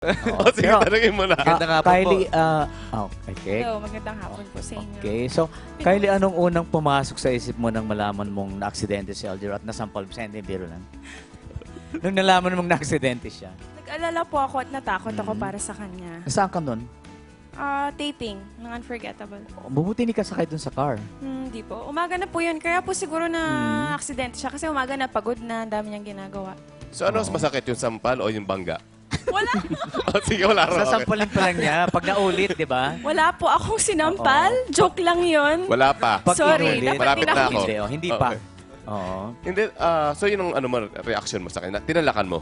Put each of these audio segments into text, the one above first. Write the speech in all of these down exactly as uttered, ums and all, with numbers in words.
Oo, O sige, pero, tanungin mo na. ah, Magandang hapon Kylie, po. ah, oh, okay. Hello, magandang hapon po sa inyo. Okay, so, Kylie, anong unang pumasok sa isip mo nang malaman mong na-aksidente si Alger at nasampal mo siya? Hindi, biro lang. Nung nalaman mong na-aksidente siya, Nag-alala po ako at natakot ako Mhm. para sa kanya. saan ka nun? Ah, taping ng Unforgettable. Mabuti hindi ka sakay dun sa car. Hmm, Hindi po. Umaga na po yun. Kaya po siguro na Mhm. aksidente siya kasi umaga na pagod na, ang dami niyang ginagawa. So ano mas masakit, yung sampal o yung bangga? Wala. O sige, wala rin. Okay. Sasampalin pa lang niya pag naulit, di ba? Wala po akong sinampal. Joke lang yun. Wala pa. Pag Sorry, inulit, dapat Malapit na pinakita. ako. Hindi, oh, hindi pa. Okay. Oo. Hindi, ah, so yun ang ano mo, reaction mo sa kanya. Tinalakan mo.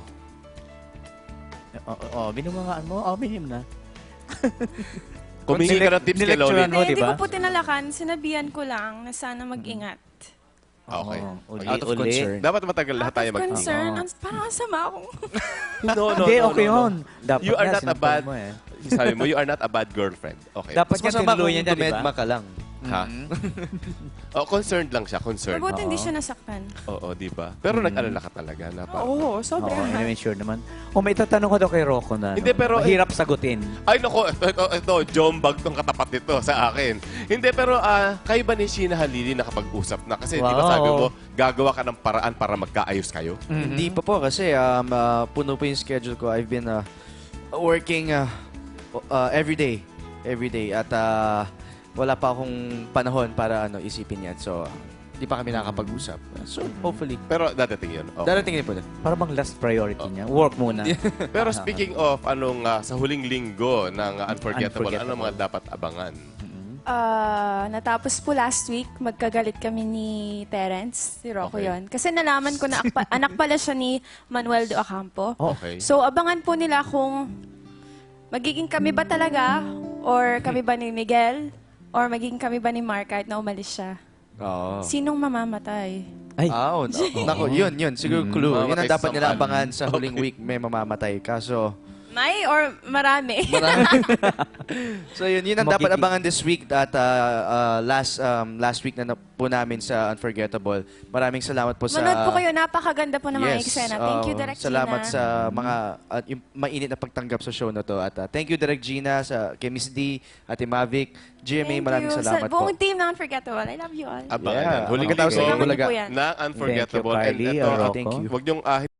Oo, oh, binumangaan mo. Oo, binim na. Kumingi ka ng tips kay Loli. Nilecturean mo, Hindi, di hindi ba? ko po tinalakan. Sinabihan ko lang na sana mag-ingat. Okay. Oo, uli, Out of uli. concern. Dapat matagal lahat Out tayo of mag concern. Oo. Ang- Parang ang sama akong... No, no, Hindi, no, okay no, no. yun. Dapat You are nga, not a sinampal bad, mo eh. sabi mo, you are not a bad girlfriend. Okay. Dapat Mas yan masama tinuluyan kung niya, di ba? dumedma ka lang. Ha? Oh, concerned lang siya, concerned. Mabuti hindi Oo. siya nasaktan. Oo, di ba? Pero Mm. nag-alala ka talaga na parang, Oo, Oo, sobra. anyway, sure naman. O, may tatanong ko daw kay Rocco na. Hindi, ano, pero- mahirap sagutin. ay nako, ito, ito, ito, jombag tong katapat nito sa akin. Hindi, pero ah, kayo ba ni Sheena Halili nakapag-usap na? Kasi di ba Wow. sabi mo, gagawa ka ng paraan para magkaayos kayo? Hindi pa po kasi um, ah, puno po yung schedule ko. I've been ah, working ah, uh, every day. Every day. At ah, wala pa akong panahon para ano isipin yan. So, hindi pa kami nakakapag-usap. So, hopefully. Pero dadating yun. Okay. Darating din po na. Para bang last priority niya. Work muna. Pero speaking of anong ah, sa huling linggo ng ah, Unforgettable, Unforgettable. ano mga dapat abangan? Ah, natapos po last week, magkagalit kami ni Terence, si Rocco Okay. yon. Kasi nalaman ko na akpa- anak pala siya ni Manuel de Ocampo. Oh. Okay. So, abangan po nila kung magiging kami ba talaga, or kami ba ni Miguel, or magiging kami ba ni Mark kahit na umalis siya. Oo. Sinong mamamatay? Ay, Ah, oh, nako, yun, yun. Siguro Mm. clue. Yun ang Mamamatay dapat sa nila sampal. abangan sa huling week. May mamamatay. Kaso, May or marami? marami. So yun, yun ang dapat Magiging- abangan this week at ah, ah, last um, last week na, na po namin sa Unforgettable. Maraming salamat po sa... Manood po kayo, napakaganda po ng mga eksena. Thank you, oo. Direk Gina. Salamat sa mga at yung mainit na pagtanggap sa show na to. At ah, thank you, Direk Gina, sa, kay Miss D, Ate Mavic, G M A, Thank maraming you. salamat Sa buong po. team ng Unforgettable. I love you all. Abangan Yeah. yan. Huling Magkatapos linggo sa Abangan niyo Bulaga. po yan. na Unforgettable. Thank you, Kylie. And ito, Rocco. Thank you. Huwag niyong ah,